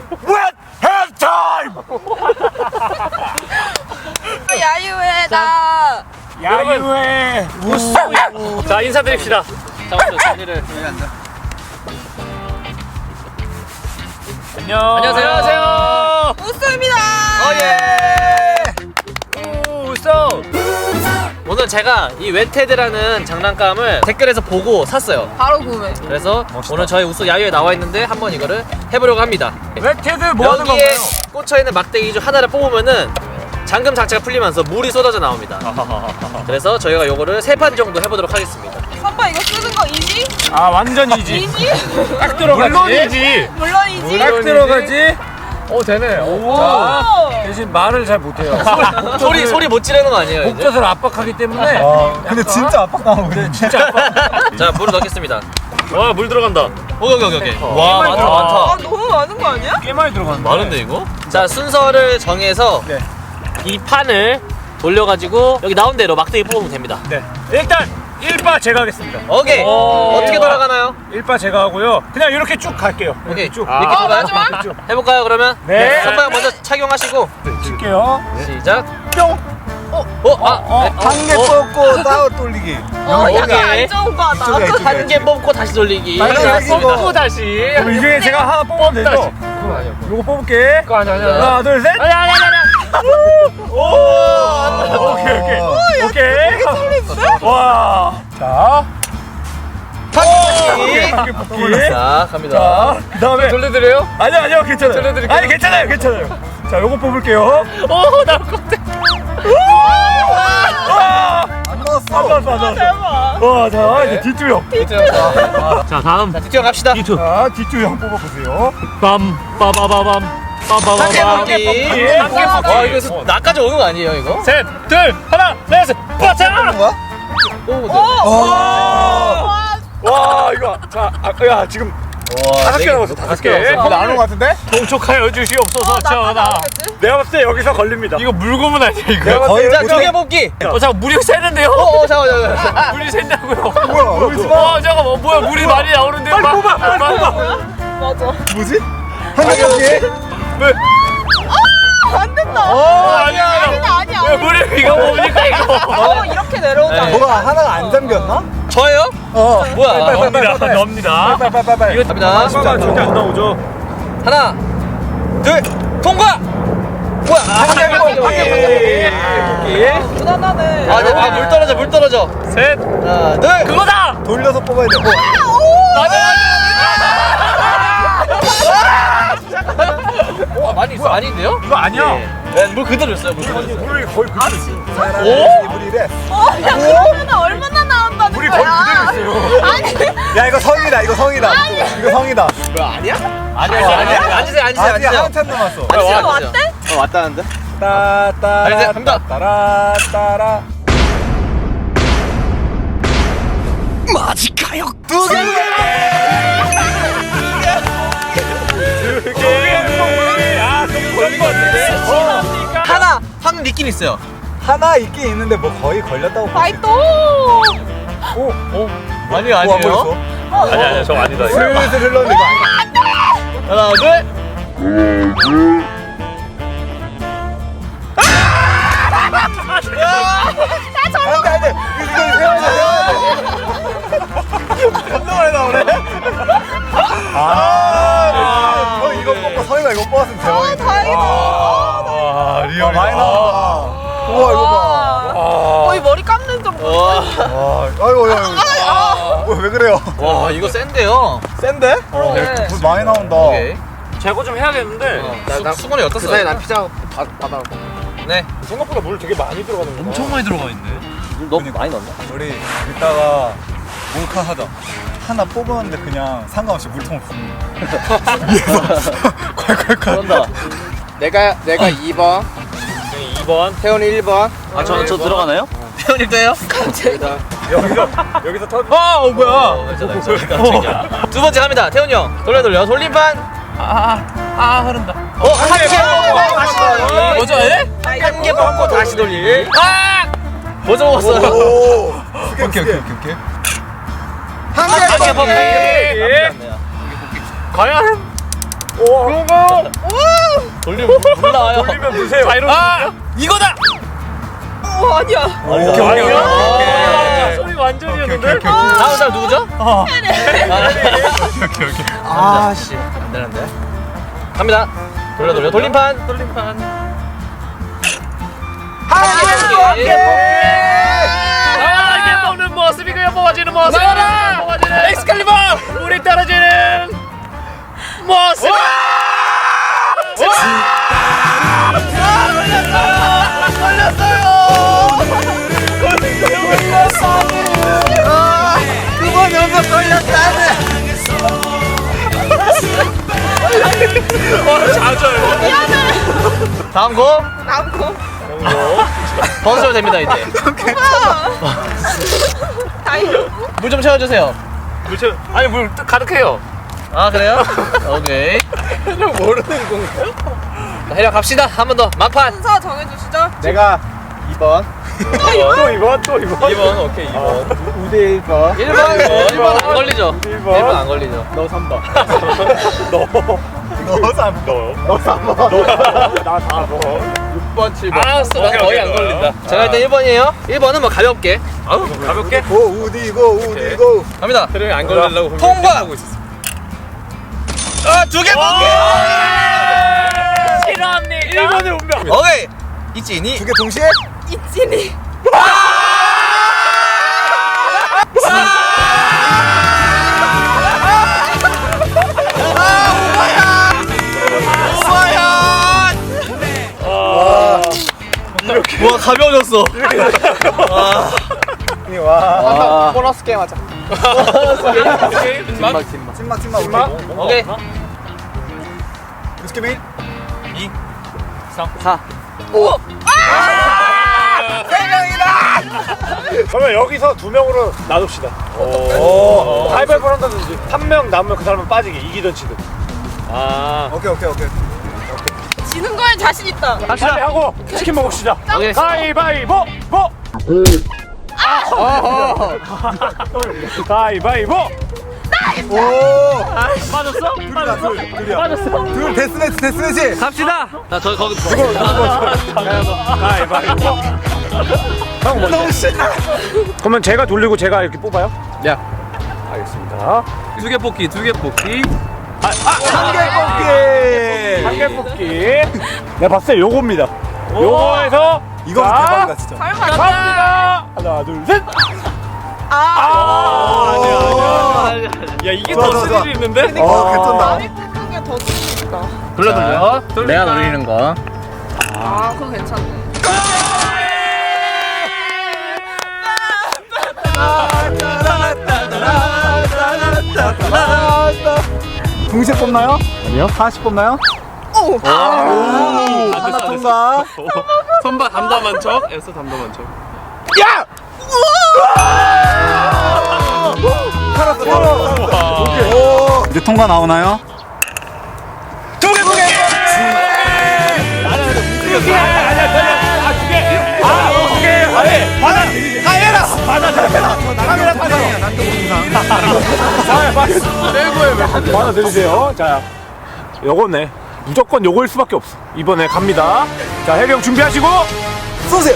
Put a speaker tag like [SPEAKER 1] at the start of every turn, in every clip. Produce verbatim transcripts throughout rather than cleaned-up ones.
[SPEAKER 1] What have time?
[SPEAKER 2] 야유회다.
[SPEAKER 1] 야유회 우스.
[SPEAKER 3] 자 인사드립시다.
[SPEAKER 4] 자 먼저 자리를.
[SPEAKER 3] 안녕.
[SPEAKER 4] 안녕하세요.
[SPEAKER 2] 우수입니다.
[SPEAKER 4] 어예. 우서. 오늘 제가 이 웬테드라는 장난감을 댓글에서 보고 샀어요.
[SPEAKER 2] 바로 구매.
[SPEAKER 4] 그래서 오늘 저희 우소 야유에 나와 있는데 한번 이거를 해보려고 합니다.
[SPEAKER 1] 웬테드 뭐 하는
[SPEAKER 4] 여기에
[SPEAKER 1] 건가요?
[SPEAKER 4] 꽂혀 있는 막대기 중 하나를 뽑으면은 잠금 장치가 풀리면서 물이 쏟아져 나옵니다. 그래서 저희가 요거를 세 판 정도 해보도록 하겠습니다.
[SPEAKER 2] 선바 이거 쓰는 거 이지?
[SPEAKER 1] 아 완전 이지.
[SPEAKER 2] 이지?
[SPEAKER 1] 딱 들어가지. 물론이지.
[SPEAKER 2] 물론이지.
[SPEAKER 1] 딱 들어가지. 오 되네. 오. 자,
[SPEAKER 2] 오.
[SPEAKER 1] 대신 말을 잘 못해요.
[SPEAKER 4] 소리 소리 못 지르는 거 아니에요? 이제?
[SPEAKER 1] 목젖을 압박하기 때문에.
[SPEAKER 5] 아, 근데 진짜 압박당하고
[SPEAKER 1] 진짜 압박.
[SPEAKER 4] 자 물을 넣겠습니다.
[SPEAKER 3] 와 물 들어간다.
[SPEAKER 4] 오케이 오케이 오케이. 와 많다
[SPEAKER 2] 아
[SPEAKER 4] 많다.
[SPEAKER 2] 너무 많은 거 아니야?
[SPEAKER 1] 꽤 많이 들어갔는데.
[SPEAKER 4] 많은데 이거? 자 순서를 정해서
[SPEAKER 5] 네.
[SPEAKER 4] 이 판을 돌려가지고 여기 나온 대로 막대기 뽑으면 됩니다.
[SPEAKER 1] 네. 일단 일 바 제가 하겠습니다.
[SPEAKER 4] 오케이.
[SPEAKER 1] 오.
[SPEAKER 4] 어떻게 돌아가나요?
[SPEAKER 1] 일 바 제가 하고요. 그냥 이렇게 쭉 갈게요. 이렇게
[SPEAKER 4] 오케이.
[SPEAKER 1] 쭉.
[SPEAKER 4] 이렇게
[SPEAKER 2] 어,
[SPEAKER 4] 뽑아요?
[SPEAKER 2] 마지막?
[SPEAKER 1] 쭉.
[SPEAKER 4] 해볼까요 그러면?
[SPEAKER 1] 네.
[SPEAKER 4] 선방 먼저 착용하시고
[SPEAKER 1] 칠게요.
[SPEAKER 4] 시작.
[SPEAKER 5] 뿅!
[SPEAKER 4] 어? 어? 아?
[SPEAKER 1] 어,
[SPEAKER 4] 네.
[SPEAKER 5] 한 개
[SPEAKER 4] 어?
[SPEAKER 5] 뽑고 따로 돌리기.
[SPEAKER 2] 어
[SPEAKER 4] 오케이.
[SPEAKER 2] 약간 안 좋은 거다.
[SPEAKER 5] 이쪽에, 이쪽에.
[SPEAKER 4] 한 개 뽑고 다시 돌리기.
[SPEAKER 5] 빨리
[SPEAKER 3] 뽑고
[SPEAKER 5] 이거.
[SPEAKER 3] 다시.
[SPEAKER 1] 그럼 이 중에 제가 하나 뽑으면 되죠?
[SPEAKER 3] 그건 아니야.
[SPEAKER 1] 요거 뽑을게.
[SPEAKER 3] 그거 아니야 아니야.
[SPEAKER 1] 하나, 둘, 셋.
[SPEAKER 3] 아니야 아니야 아니야.
[SPEAKER 1] 오! 오케이, 오케이. 오케이. 와. 자.
[SPEAKER 4] 뽑기.
[SPEAKER 1] 한개 뽑기.
[SPEAKER 4] 자 갑니다.
[SPEAKER 1] 자, 그 다음에.
[SPEAKER 3] 돌려드려요?
[SPEAKER 1] 아니요, 아니요, 괜찮아요.
[SPEAKER 3] 돌려드릴게요.
[SPEAKER 1] 아니, 괜찮아요, 괜찮아요. 자, 요거 뽑을게요.
[SPEAKER 3] 오 나올 것 같아.
[SPEAKER 1] 와!
[SPEAKER 5] 안 넣었어.
[SPEAKER 1] 안 나왔어, 안 나왔어.
[SPEAKER 2] 대박.
[SPEAKER 1] 와, 자, 이제 뒤투형.
[SPEAKER 3] 자 다음.
[SPEAKER 4] 자 뒷뒤로 갑시다.
[SPEAKER 3] 이투.
[SPEAKER 1] 자, 뒤투형 뽑아보세요.
[SPEAKER 3] 빰 빠바바밤.
[SPEAKER 4] 한 개
[SPEAKER 3] 빠바바밤.
[SPEAKER 4] 뽑기.
[SPEAKER 1] 한 개 뽑기.
[SPEAKER 4] 와 이거 나까지 오는 거 아니에요 이거?
[SPEAKER 3] 셋, 둘, 하나, 넷, 빠차!
[SPEAKER 5] 뭐야?
[SPEAKER 4] 뽑으면 돼.
[SPEAKER 1] 와! 와, 이거. 자, 아, 야, 지금 다섯 개 남았어, 다섯 개.
[SPEAKER 5] 나눈 거 같은데?
[SPEAKER 3] 동촉하여 주시옵소서 전하.
[SPEAKER 1] 내가 봤을 때 여기서 걸립니다.
[SPEAKER 3] 이거 물고문 아니야 이거?
[SPEAKER 5] 내가
[SPEAKER 1] 거의
[SPEAKER 4] 자
[SPEAKER 5] 어떻게-
[SPEAKER 4] 두 개 뽑기.
[SPEAKER 3] 어 잠깐 물이 새는데요?
[SPEAKER 4] 어어 잠깐만 잠깐만.
[SPEAKER 3] 물이 샌다고요?
[SPEAKER 5] 뭐야, 울지 마.
[SPEAKER 3] 어 잠깐만 뭐야 물이 많이 나오는데 빨리
[SPEAKER 1] 뽑아, 빨리 뽑아.
[SPEAKER 2] 맞아.
[SPEAKER 5] 뭐지? 한 개 뽑기?
[SPEAKER 2] 안 된다.
[SPEAKER 3] 어 아니야
[SPEAKER 2] 아니다 아니야.
[SPEAKER 3] 왜 물이 이거 뭡니까 이거?
[SPEAKER 2] 어 이렇게 내려오자.
[SPEAKER 4] 네.
[SPEAKER 5] 뭐가 하나가 안 잠겼나?
[SPEAKER 4] 저예요?
[SPEAKER 5] 어.
[SPEAKER 4] 뭐야?
[SPEAKER 5] 빨리, 빨리, 빨리,
[SPEAKER 3] 넣습니다
[SPEAKER 5] 빨리.
[SPEAKER 3] 넣습니다.
[SPEAKER 5] 빨리, 빨리, 빨리, 빨리.
[SPEAKER 3] 이거
[SPEAKER 4] 갑니다.
[SPEAKER 1] 잠깐만, 절대 안 나오죠.
[SPEAKER 4] 하나 둘 통과. 뭐야? 한개 뽑기.
[SPEAKER 1] 예.
[SPEAKER 2] 무난하네.
[SPEAKER 4] 아, 네, 아, 물 떨어져, 물 떨어져.
[SPEAKER 3] 셋
[SPEAKER 4] 하나, 둘.
[SPEAKER 3] 그거다!
[SPEAKER 5] 돌려서 뽑아야 돼. 어.
[SPEAKER 3] 맞아
[SPEAKER 4] 와, 많이 있어. 아닌데요?
[SPEAKER 1] 이거 아니야.
[SPEAKER 4] 네, 물 그대로 있어요, 물 그대로. 있어요.
[SPEAKER 1] 물이 거의 그대로 있어.
[SPEAKER 5] 오? 물이 이래.
[SPEAKER 2] 어, 야 그러면 얼마나 나온다는
[SPEAKER 1] 물이
[SPEAKER 2] 거야?
[SPEAKER 1] 거의 그대로 있어요.
[SPEAKER 2] 아니.
[SPEAKER 5] 야, 이거 성이다, 이거 성이다. 이거 성이다.
[SPEAKER 4] 아니야?
[SPEAKER 5] 어,
[SPEAKER 4] 아니야,
[SPEAKER 5] 아니야?
[SPEAKER 4] 앉으세요, 앉으세요,
[SPEAKER 5] 아직
[SPEAKER 4] 앉으세요.
[SPEAKER 5] 한참 남았어.
[SPEAKER 4] 앉으세요,
[SPEAKER 2] 지금
[SPEAKER 4] 앉으세요.
[SPEAKER 2] 왔대?
[SPEAKER 4] 어, 왔다는데?
[SPEAKER 5] 따따라.
[SPEAKER 4] 아니, 이제 갑니다.
[SPEAKER 5] 따라 따라.
[SPEAKER 4] 두 개!
[SPEAKER 1] 아, 좀 걸린 것 같은데?
[SPEAKER 4] 하나, 한 느낌 있어요.
[SPEAKER 5] 하나 있긴 있는데 뭐 거의 걸렸다고 볼 수 있지.
[SPEAKER 2] 파이터.
[SPEAKER 5] 오, 오.
[SPEAKER 4] 아니요,
[SPEAKER 5] 뭐 안
[SPEAKER 4] 아니에요.
[SPEAKER 5] 보였어?
[SPEAKER 3] 아니야 아니야 저거 아니다 이거.
[SPEAKER 5] 슬슬 흘렀는데 이거 아니야.
[SPEAKER 4] 하나, 둘.
[SPEAKER 5] 안 돼, 안 돼. 이거 세워야 돼. 한동안에 나오네. 아, 형 이거 뽑고 성이가 이거 뽑았으면 대박이다.
[SPEAKER 2] 다행이다.
[SPEAKER 1] 와, 리얼이다.
[SPEAKER 5] 많이 나온다. 우와, 이거 봐.
[SPEAKER 2] 와. 거의 머리 감는 정도.
[SPEAKER 4] 와,
[SPEAKER 5] 와, 아이고, 아이고. 뭐, 왜 그래요?
[SPEAKER 4] 와, 이거 센데요.
[SPEAKER 5] 센데? 어,
[SPEAKER 2] 그래.
[SPEAKER 5] 물 많이 나온다.
[SPEAKER 4] 오케이.
[SPEAKER 3] 제거 좀 해야겠는데.
[SPEAKER 4] 어, 나, 나 수건이 어떻어? 그 사이에 난 피자 받아. 네.
[SPEAKER 1] 생각보다 물 되게 많이 들어가는 거.
[SPEAKER 3] 엄청 많이 들어가 있네.
[SPEAKER 4] 너무 많이 넣었나?
[SPEAKER 5] 우리 이따가 몰카 하자. 하나 뽑았는데 그냥 상관없이 물통 부는 위에서 콸콸콸.
[SPEAKER 4] 그런다.
[SPEAKER 6] 내가 내가 이 번,
[SPEAKER 3] 이 번.
[SPEAKER 6] 태훈이 일 번.
[SPEAKER 4] 아, 저, 저 들어가나요? 태훈이 때요?
[SPEAKER 1] 여기서, 여기서 터
[SPEAKER 4] 아, 어, 뭐야? 어, 괜찮아, 괜찮아. 두 번째 갑니다. 태훈이 형. 돌려, 돌려. 돌림판.
[SPEAKER 3] 아, 아 흐른다.
[SPEAKER 4] 어, 한 개 먹고 다시 돌리.
[SPEAKER 3] 뭐죠? 에?
[SPEAKER 4] 한 개 먹고 다시 돌리. 아! 뭐죠 먹었어요?
[SPEAKER 5] 오. 오케이, 오케이, 오케이, 오케이.
[SPEAKER 4] 한개 먹기.
[SPEAKER 3] 과연?
[SPEAKER 1] 오,
[SPEAKER 4] 돌리면 물 나와요.
[SPEAKER 1] 돌리면 무세요.
[SPEAKER 3] 아 이거다.
[SPEAKER 2] 오 아니야.
[SPEAKER 1] 오케이, 오케이, 오케이.
[SPEAKER 3] 아, 소리 완전이었는데.
[SPEAKER 4] 다음 사람 누구죠?
[SPEAKER 5] 오케이 오케이.
[SPEAKER 4] 아 씨. 안 되는데. 갑니다. 돌려 돌려 돌림판. 돌림판.
[SPEAKER 3] 아 이게 먹는 모습이고요. 모아지는 모습. 모아지는 엑스칼리버. 물이 떨어지는 모습.
[SPEAKER 6] 그번 연속 걸렸다네.
[SPEAKER 4] 다음 거
[SPEAKER 2] 남고.
[SPEAKER 4] 번수로 됩니다 이제.
[SPEAKER 2] 다행이다.
[SPEAKER 4] 물 좀 채워주세요.
[SPEAKER 3] 물체 아니 물 가득해요.
[SPEAKER 4] 아 그래요? 오케이.
[SPEAKER 6] 모르는 건가요?
[SPEAKER 4] 자, 해력 갑시다. 한 번 더 막판.
[SPEAKER 2] 순서 정해주시죠.
[SPEAKER 6] 내가 이 번.
[SPEAKER 1] 또 이번 또 이번.
[SPEAKER 3] 이 번 오케이 이 번.
[SPEAKER 6] 우대 일 번.
[SPEAKER 4] 일 번 일 번 안 걸리죠?
[SPEAKER 1] 일
[SPEAKER 4] 일
[SPEAKER 1] 번.
[SPEAKER 4] 번 안 걸리죠.
[SPEAKER 6] 너 삼 번.
[SPEAKER 1] 너 삼 번.
[SPEAKER 6] 너 삼 번.
[SPEAKER 1] 나 사 번.
[SPEAKER 6] 육 번, 칠 번.
[SPEAKER 4] 알았어. 난
[SPEAKER 3] 오케이,
[SPEAKER 4] 거의
[SPEAKER 3] 오케이.
[SPEAKER 4] 안 걸린다. 제가 일단 일 번이에요. 일 번은 뭐 가볍게.
[SPEAKER 3] 아우 가볍게.
[SPEAKER 6] 고 우디고 우디고.
[SPEAKER 4] 갑니다.
[SPEAKER 3] 그래 안 걸리려고
[SPEAKER 4] 통과!
[SPEAKER 3] 하고 있었어.
[SPEAKER 4] 아, 두 개 뽑기!
[SPEAKER 3] 싫어합니까?
[SPEAKER 1] 일 번의 운명.
[SPEAKER 4] 오케이. 이진이.
[SPEAKER 6] 두 개 동시에?
[SPEAKER 2] 이진이.
[SPEAKER 4] 와, 가벼워졌어.
[SPEAKER 6] 와. 보너스 게임 하자.
[SPEAKER 3] 막
[SPEAKER 6] 찐막 찐막 찐막.
[SPEAKER 4] 오케이.
[SPEAKER 6] 스케일
[SPEAKER 4] 사.
[SPEAKER 1] 그러면 여기서 두 명으로 나눕시다. 오. 가위바위보 한다든지 한 명 남으면 그 사람은 빠지게 이기든 지든.
[SPEAKER 3] 아
[SPEAKER 6] 오케이 오케이 오케이.
[SPEAKER 2] 지는 거에 자신 있다.
[SPEAKER 1] 빨리 하고 치킨 먹읍시다.
[SPEAKER 4] 오케이.
[SPEAKER 1] 가위바위보 보. 가위바위보.
[SPEAKER 6] 오.
[SPEAKER 3] 빠졌어?
[SPEAKER 6] 둘이다 둘. 둘이야.
[SPEAKER 3] 빠졌어.
[SPEAKER 6] 둘 데스매치 데스매치.
[SPEAKER 4] 갑시다. 나 저 거기
[SPEAKER 1] 가위바위보. 형 먼저.
[SPEAKER 6] 너무 신나.
[SPEAKER 1] 그러면 제가 돌리고 제가 이렇게 뽑아요?
[SPEAKER 4] 야.
[SPEAKER 1] 알겠습니다.
[SPEAKER 4] 두 개 뽑기, 두 개 뽑기.
[SPEAKER 6] 한 개 뽑기.
[SPEAKER 1] 한 개 뽑기. 내가 봤을 때 요겁니다. 요거에서
[SPEAKER 6] 이거
[SPEAKER 1] 자,
[SPEAKER 6] 대박이다 진짜.
[SPEAKER 2] 설마.
[SPEAKER 1] 갑니다. 하나 둘 셋.
[SPEAKER 2] 아.
[SPEAKER 1] 아, 아니야 아니야.
[SPEAKER 3] 야 이게
[SPEAKER 6] 좋아,
[SPEAKER 3] 더
[SPEAKER 6] 좋아, 좋아.
[SPEAKER 3] 스릴이 있는데?
[SPEAKER 6] 어 개쩐다.
[SPEAKER 2] 마음이 푸는 게더 좋다.
[SPEAKER 4] 돌려 돌려. 내가 노리는 거.
[SPEAKER 2] 아 그거 괜찮네.
[SPEAKER 6] 동시에 뽑나요? 아니요. 하나씩 뽑나요?
[SPEAKER 2] 오.
[SPEAKER 6] 오. 하나 통과.
[SPEAKER 3] 선바 담담한 척. 에서 담담한 척.
[SPEAKER 6] 야! 살았어, 살았어. 오케이. 오. 이제 통과 나오나요?
[SPEAKER 1] 두 개, 두 개. 두 개. 아니야, 아니야. 아, 두 개. 아, 두 개. 아니, 받아.
[SPEAKER 6] 다 해라.
[SPEAKER 1] 받아, 받아.
[SPEAKER 6] 카메라 타세요. 난도 공상.
[SPEAKER 1] 아, 받아. 내고에 왜? 받아 들으세요. 자, 요거네. 무조건 요거일 수밖에 없어. 이번에 갑니다. 자, 해령 준비하시고.
[SPEAKER 6] 쏘세요.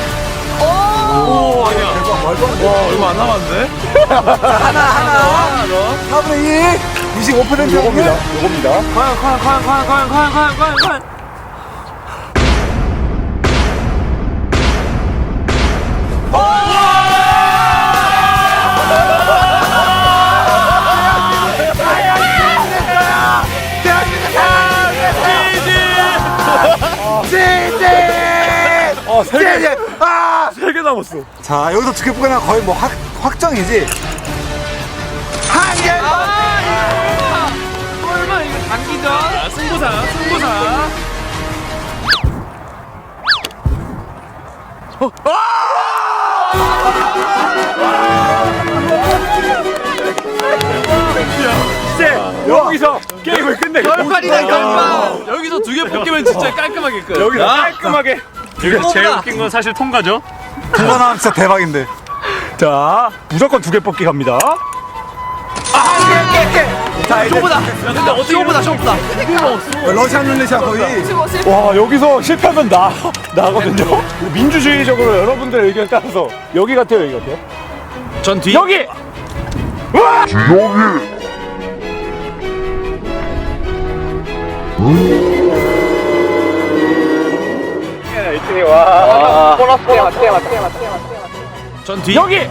[SPEAKER 3] 오 아니야.
[SPEAKER 6] 대박, 말도 안 돼.
[SPEAKER 3] 와 얼마 안 남았는데?
[SPEAKER 6] 하나, 하나. 사분의 이. 이십오 퍼센트
[SPEAKER 1] 요겁니다. 요겁니다.
[SPEAKER 3] 과연 과연 과연 과연 과연 과연 과연 과연 과연.
[SPEAKER 1] 어, 세 개.
[SPEAKER 6] 네, 아!
[SPEAKER 1] 세 개 남았어.
[SPEAKER 6] 자, 여기서 두 개 뽑으면 거의 뭐 확, 확정이지. 한 개.
[SPEAKER 3] 설마 이거 단기전? 아, 승부사 승부사.
[SPEAKER 1] 이제 여기서 게임을 끝내.
[SPEAKER 3] 결판이다 결판. 여기서 두 개 뽑기면 진짜 깔끔하게 끝.
[SPEAKER 1] 여기서 깔끔하게.
[SPEAKER 3] 여기서 제일 웃긴 건 사실 통과죠.
[SPEAKER 6] 통과 나면 진짜 대박인데.
[SPEAKER 1] 자, 무조건 두 개 뽑기 갑니다.
[SPEAKER 6] 아, 깨, 깨, 깨. 자 이제
[SPEAKER 3] 쇼보다. 야, 근데 어떻게 쇼보다 쇼보다.
[SPEAKER 6] 러시안 룰렛이야 거의.
[SPEAKER 2] 오십오, 십.
[SPEAKER 1] 와 여기서 실패하면 나 나거든요. 민주주의적으로 여러분들의 의견 따라서 여기 같아요, 여기 같아요.
[SPEAKER 3] 전 뒤.
[SPEAKER 1] 여기. 와!
[SPEAKER 3] 전 뒤.
[SPEAKER 1] 여기.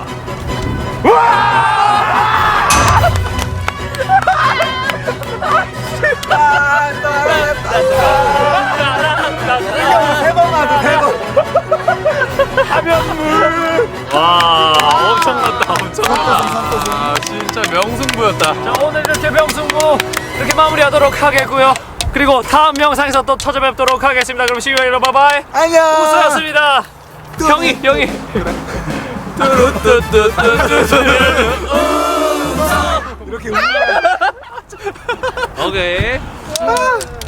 [SPEAKER 6] 세번 맞아 세 번.
[SPEAKER 3] 와 엄청났다 엄청났다. 아 진짜 명승부였다.
[SPEAKER 4] 자, 오늘 이렇게 명승부 이렇게 마무리하도록 하겠고요. 그리고 다음 영상에서 또 찾아뵙도록 하겠습니다. 그럼 시우야 여러분 바이바이.
[SPEAKER 6] 안녕.
[SPEAKER 4] 우수였습니다. 형이 형이.
[SPEAKER 6] 이렇게
[SPEAKER 4] 오케이.